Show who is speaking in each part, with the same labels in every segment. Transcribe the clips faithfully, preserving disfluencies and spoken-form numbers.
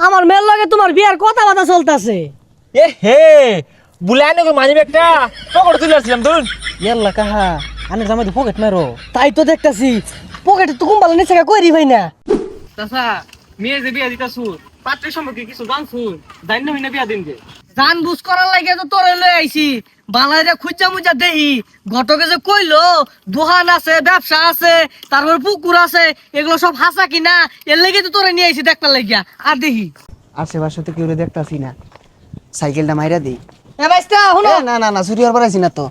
Speaker 1: আমার মেয়ের লগে তোমার বিয়ার কথা বাতা চলতেছে।
Speaker 2: এ হে বুলাই নাকি মানি ব্যাগটা পকেটে তুলে আসছিলাম ধরুন।
Speaker 3: ইয়াল্লা কাহা আনে জামাই পকেট মারো।
Speaker 1: তাই তো দেখতাছি পকেটে তো কুম্বালা নিচে কইরি ভাই না।
Speaker 3: চাচা মেয়ে যে বিয়া দিতাছু পাত্রের সম্পর্কে কিছু জানছু জানি না হইনা বিয়া দিন যে
Speaker 1: জান বুঝ করার লাগে তো তোরে লই আইছি। বালাইরে খুঁজা মুজা দেহি ঘটকে যে কইলো দোকান আছে ব্যবসা আছে তারপর পুকুর আছে এগুলো সব হাসা কিনা এর লেগে তো তোরে নিয়ে আইছি দেখবার লাগিয়া। আর দেহি
Speaker 4: আশেপাশে তো কেউ দেখতাছি না, সাইকেলটা মাইরা দেই।
Speaker 1: এ বাইস্তা শুনো
Speaker 4: এ, না না না চুরি হওয়ার পারাইছি না তো।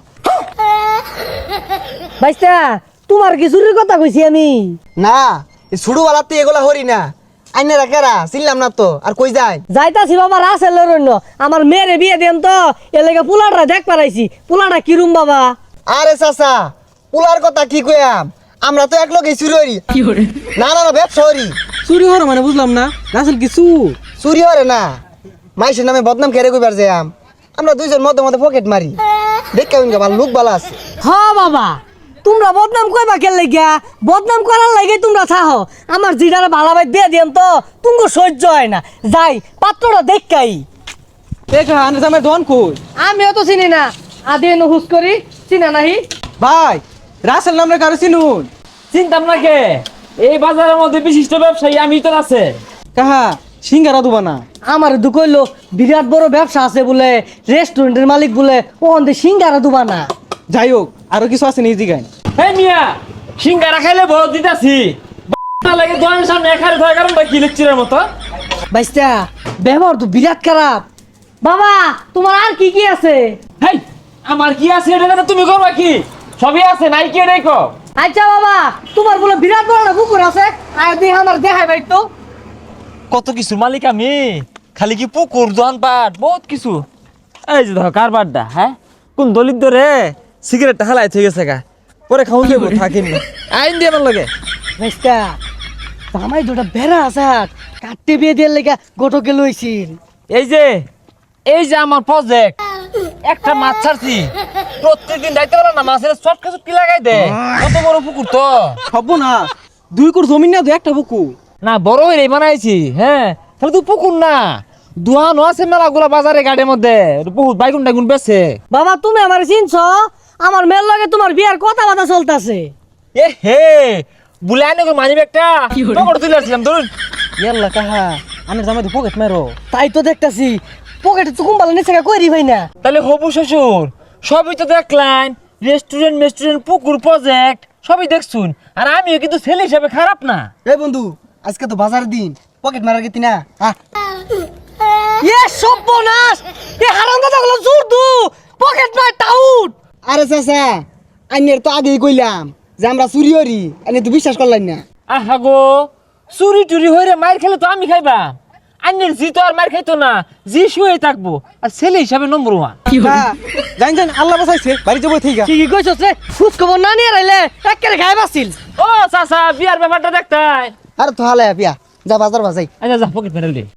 Speaker 1: বাইস্তা তোমার কি চুরির কথা কইছি আমি?
Speaker 4: না এই ছুড়ুওয়ালাতে এগুলা হরি না, আইনে রাখেরা চিনলাম না তো। আর কই যায়
Speaker 1: যাইতাছি বাবা রাসেল রন্য আমার মেয়েরে বিয়ে দেন তো এর লেগে পোলাটা দেখ পারাইছি। পোলাটা কিরম বাবা?
Speaker 4: আরে চাচা পুলার কথা কি কইয়াম, আমরা তো এক লগে চুরি হরি। না না না ব্যবসা হরি।
Speaker 3: চুরি হওয়ার মানে বুঝলাম না রাসেল কিছু
Speaker 4: চুরি হরে না, মাইসের নামে বদনাম কেড়ে কইবার যাম। আমরা দুইজন মধ্যে মধ্যে পকেট মারি, দেখে উনকে ভালো লোক ভালো আছে।
Speaker 1: হ বাবা তোমরা বদনাম কইবা কে লাগিয়া? বদনাম করার লাগে তোমরা থাহ। আমার জিডারে ভালাবাই দিয়ে দিন তো তুমি সহ্য হয় না। যাই পাত্রটা দেখাই।
Speaker 3: দেখা আনে জামাই দোকান কই?
Speaker 1: আমিও তো চিনি না, আদি হুস করি চিনা নাহি।
Speaker 3: ভাই রাসেল নামে কারো চিনুন?
Speaker 2: চিন্তাম না কে, এই বাজারের মধ্যে বিশিষ্ট ব্যবসায়ী আমি তো আছে।
Speaker 3: কাহা সিঙ্গারা দুবা না?
Speaker 1: আমার দুঃখ হইলো বিরাট বড় ব্যবসা আছে বলে, রেস্টুরেন্টের মালিক বলে, ওখান থেকে সিঙ্গারা দুবা না।
Speaker 3: যাই হোক আরো কিছু আছে নিজ দিগায়।
Speaker 2: হে মিয়া সিঙ্গারা খাইলে বড় দিতাছি লাগে দোকানের সামনে এখানে থাকার কারণটা কি লেকচারের মতো।
Speaker 1: বাইস্তা ব্যবহার তো বিরাট খারাপ। বাবা তোমার আর কি কি আছে?
Speaker 2: হেই আমার কি আছে এটা জানো তুমি করবা কি? সবই আছে নাই কি এটাই কো।
Speaker 1: আচ্ছা বাবা তোমার বলে বিরাট বড় একটা পুকুর আছে, আর দেখে আমার দেখাই ভাই তো।
Speaker 2: কত কিছু মালিক আমি, খালি কি পুকুর দোকান পাট বহুত কিছু। এই যে ধর কারবারটা, হ্যাঁ কোন দলিত রে সিগারেটটা হালাই থেকে গেছে গা, পরে খাউন দেবো থাকিন না আইন দিয়ে আমার লাগে।
Speaker 1: বাইস্তা জামাই দুটা বেড়া আছে কাটতে বিয়ে দিয়ে লেগা গোটকে লইছিল।
Speaker 2: এই যে এই যে আমার প্রজেক্ট, একটা মাছ ছাড়ছি প্রত্যেকদিন দায়িত্ব বলা না মাছের চটকা চটকি লাগাই দে। কত বড় পুকুর তো
Speaker 3: হব না, দুই কোর জমি না দুই একটা বুকু
Speaker 2: না বড় হয়ে বানাইছি। হ্যাঁ তাহলে তো পুকুর না দোয়ানো আছে মেলাগুলা বাজারে গাড়ির মধ্যে বহুত বাইগুন টাইগুন বেছে।
Speaker 1: বাবা তুমি আমার চিনছ? আমার মেয়ের লগে তোমার বিয়ার কথা বাতা চলতেছে।
Speaker 2: এ হে বুলাই নাকি মানি ব্যাগটা পকেটে তুলে আসছিলাম ধরুন।
Speaker 3: ইয়াল্লা কাহা আনে জামাই পকেট মারো।
Speaker 1: তাই তো দেখতাছি পকেটে তো কুম্বালা নিচে কইরি ভাই না।
Speaker 2: তাহলে হবু শ্বশুর সবই তো দেখলেন, রেস্টুরেন্ট মেস্টুরেন্ট পুকুর প্রজেক্ট সবই দেখছুন। আর আমিও কিন্তু ছেলে হিসাবে খারাপ না।
Speaker 4: এই বন্ধু আজকে তো বাজার দিন, পকেট মারার গেতি না। আহ,
Speaker 1: এ সর্বনাশ, এ হারামজাদা গুলো জোর দু পকেট মার টাউট।
Speaker 4: আরে চাচা আইনের তো আগেই কইলাম যে আমরা চুরি হরি, আইনে তো বিশ্বাস করলেন না।
Speaker 2: আহা গো চুরি টুরি হয়ে মার খেলে তো আমি খাইবা, আন্যের জি তো আর মার খাইতো না, জি শুয়ে থাকবো আর ছেলে হিসাবে নম্বর ওয়ান।
Speaker 3: জান জান আল্লাহ বাঁচাইছে বাড়ি যাবো ঠিক
Speaker 1: কি কি কইছস রে? খুশ খবর না নিয়ে রাইলে একেবারে গায়ে বাসিল।
Speaker 2: ও চাচা বিয়ার ব্যাপারটা দেখতাই।
Speaker 4: আরে তো হালে পিয়া যা বাজার বাজাই।
Speaker 2: আচ্ছা যা পকেট মেরে